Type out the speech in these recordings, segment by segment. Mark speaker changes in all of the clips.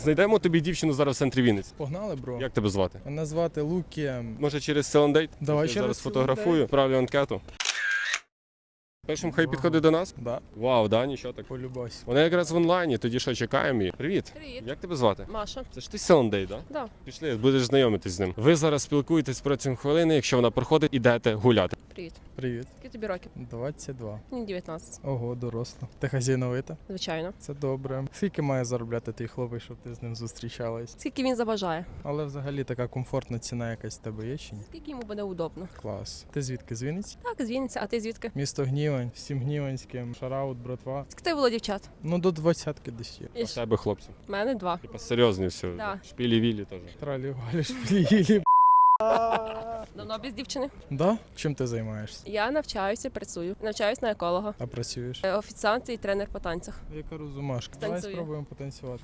Speaker 1: Знайдемо тобі дівчину зараз в центрі Вінниці.
Speaker 2: Погнали, бро.
Speaker 1: Як тебе звати?
Speaker 2: Мене звати Лукі.
Speaker 1: Може через Селендейт?
Speaker 2: Давай
Speaker 1: Я
Speaker 2: через
Speaker 1: зараз фотографую,
Speaker 2: Селендейт.
Speaker 1: відправлю анкету. Першим хай підходить до нас.
Speaker 2: Да,
Speaker 1: Вау, да, нічого так.
Speaker 2: полюбась.
Speaker 1: Вона якраз в онлайні, тоді що, чекаємо її. Привіт.
Speaker 3: Привіт.
Speaker 1: Як тебе звати?
Speaker 3: Маша.
Speaker 1: Це ж ти Селендей, да?
Speaker 3: Да.
Speaker 1: Пішли, будеш знайомитись з ним. Ви зараз спілкуєтесь протягом хвилини, якщо вона проходить, ідете гуляти.
Speaker 3: Привіт.
Speaker 2: Привіт.
Speaker 3: Скільки тобі років?
Speaker 2: 22.
Speaker 3: Мені 19.
Speaker 2: Ого, доросла. Ти хазяйновита?
Speaker 3: Звичайно.
Speaker 2: Це добре. Скільки має заробляти твій хлопець, щоб ти з ним зустрічалась?
Speaker 3: Скільки він забажає?
Speaker 2: Але взагалі така комфортна ціна якась в тебе є чи ні?
Speaker 3: Скільки йому буде удобно?
Speaker 2: Клас. Ти звідки? З Вінниці?
Speaker 3: Так, з Вінниці. А ти звідки?
Speaker 2: Місто Гнівань, всім гніванським, шараут, братва.
Speaker 3: Скільки тебе було дівчат?
Speaker 2: Ну до 20-ки десь є.
Speaker 1: А в тебе хлопці.
Speaker 3: У мене 2.
Speaker 1: Типа серйозні все.
Speaker 3: Да.
Speaker 1: Шпілі-вілі теж.
Speaker 2: Тралі валі шпілі.
Speaker 3: Давно без дівчини.
Speaker 2: Да? Чим ти займаєшся?
Speaker 3: Я навчаюся, працюю. Навчаюсь на еколога.
Speaker 2: А працюєш?
Speaker 3: Офіціант і тренер по танцях.
Speaker 2: Яка розумашка. Давай
Speaker 3: Танцюю.
Speaker 2: спробуємо потанцювати.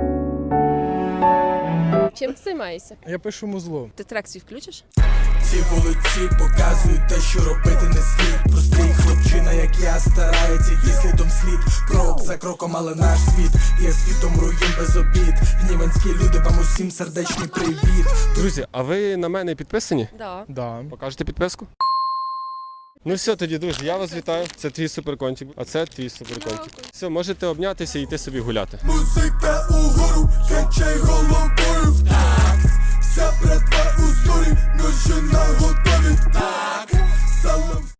Speaker 3: Чим ти займаєшся?
Speaker 2: Я пишу музло.
Speaker 3: Ти трек свій включиш?
Speaker 4: Ці вулиці показують те, що робити не слід. Простий хлопчина, як я, старається йти слідом слід. Крок за кроком, але наш світ є світом руїн без обід. Гніванські люди, вам усім сердечний привіт.
Speaker 1: Друзі, а ви на мене підписані?
Speaker 3: Да.
Speaker 2: Да.
Speaker 1: Покажете підписку? Ну все тоді, друзі, я вас вітаю. Це твій суперкончик, а це твій суперкончик.
Speaker 3: Дякую.
Speaker 1: Все, можете обнятися і йти собі гуляти.
Speaker 4: Музика угору, качай головою в такт. Вся братва у зборі, ножі на готові. Так, салам.